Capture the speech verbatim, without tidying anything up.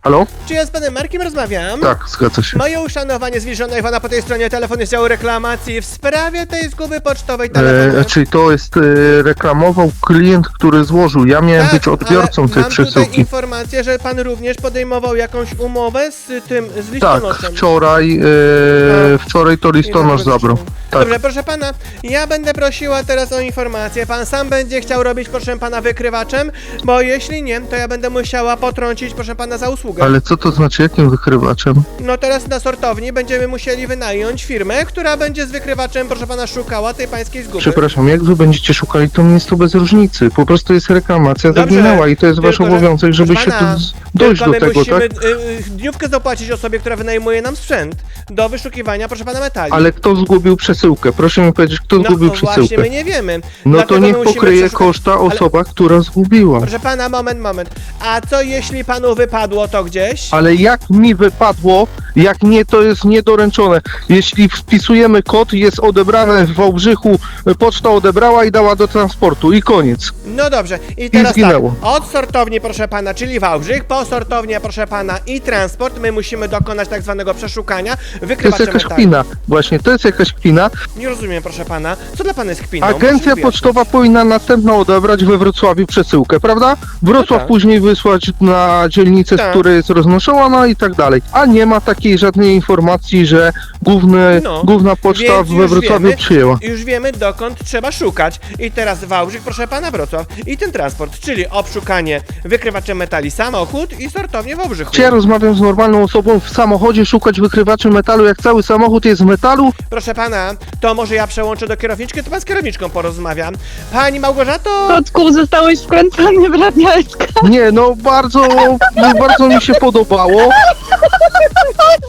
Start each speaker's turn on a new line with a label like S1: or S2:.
S1: Halo?
S2: Czy ja z panem Markiem rozmawiam?
S1: Tak, zgadza się.
S2: Moje uszanowanie zbliżone Iwona po tej stronie telefon jest działu reklamacji w sprawie tej zguby pocztowej telefonu.
S1: E, czyli to jest e, reklamował klient, który złożył. Ja miałem
S2: Tak,
S1: być odbiorcą
S2: ale
S1: tej
S2: mam tutaj
S1: przesyłki.
S2: informację, że pan również podejmował jakąś umowę z tym, z
S1: Tak,
S2: listonoszem.
S1: wczoraj, e, wczoraj to listonosz zabrał. Tak.
S2: Dobrze, proszę pana, ja będę prosiła teraz o informację. Pan sam będzie chciał robić, proszę pana, wykrywaczem, bo jeśli nie, to ja będę musiała potrącić, proszę pana, za usługę.
S1: Ale co to znaczy, jakim wykrywaczem?
S2: No teraz na sortowni będziemy musieli wynająć firmę, która będzie z wykrywaczem, proszę pana, szukała tej pańskiej zguby.
S1: Przepraszam, jak wy będziecie szukali, to mi jest to bez różnicy. Po prostu jest reklamacja
S2: Dobrze,
S1: zaginęła i to jest wasz
S2: tylko, że-
S1: obowiązek, żeby
S2: proszę
S1: się
S2: pana,
S1: tu z- dojść
S2: tylko
S1: do
S2: my
S1: tego,
S2: musimy
S1: tak?
S2: y, y, dniówkę zapłacić osobie, która wynajmuje nam sprzęt do wyszukiwania, proszę pana, metali.
S1: Ale kto zgubił przesyłkę? Proszę mi powiedzieć, kto
S2: no
S1: zgubił
S2: właśnie,
S1: przesyłkę?
S2: my nie wiemy.
S1: No
S2: Dlatego
S1: to
S2: my
S1: niech
S2: musimy
S1: pokryje
S2: przeszukać-
S1: koszta
S2: Ale-
S1: osoba, która zgubiła.
S2: Proszę pana, moment, moment. A co jeśli panu wypadło to gdzieś?
S1: Ale jak mi wypadło, jak nie, to jest niedoręczone. Jeśli wpisujemy kod, jest odebrane w Wałbrzychu, poczta odebrała i dała do transportu i koniec.
S2: No dobrze. I teraz tak,
S1: zginęło.
S2: od sortowni, proszę pana, czyli Wałbrzych, po sortownię, proszę pana, i transport, my musimy dokonać tak zwanego przeszukania,
S1: To jest
S2: wykrywacze
S1: jakaś
S2: metali.
S1: kpina. Właśnie, to jest jakaś kpina.
S2: Nie rozumiem, proszę pana. Co dla pana jest kpiną?
S1: Agencja
S2: Proszę wyjaśnić.
S1: pocztowa powinna następną odebrać we Wrocławiu przesyłkę, prawda? Wrocław
S2: No tak.
S1: później wysłać na dzielnicę,
S2: Tak.
S1: z której jest roznoszona i tak dalej. A nie ma takiej żadnej informacji, że główny,
S2: No,
S1: główna poczta
S2: więc
S1: we
S2: już
S1: Wrocławiu
S2: wiemy-
S1: przyjęła.
S2: Już wiemy, dokąd trzeba szukać. I teraz Wałbrzych, proszę pana, Wrocław. I ten transport, czyli obszukanie wykrywaczem metali samochód i sortownię w Wałbrzychu.
S1: Czy ja rozmawiam z normalną osobą w samochodzie, szukać wykrywaczy metalu, jak cały samochód jest z metalu?
S2: Proszę pana, to może ja przełączę do kierowniczki, to pan z kierowniczką porozmawiam. Pani Małgorzato!
S3: Kotku, zostałeś wkręcony w radialska.
S1: Nie, no bardzo, bardzo mi się podobało.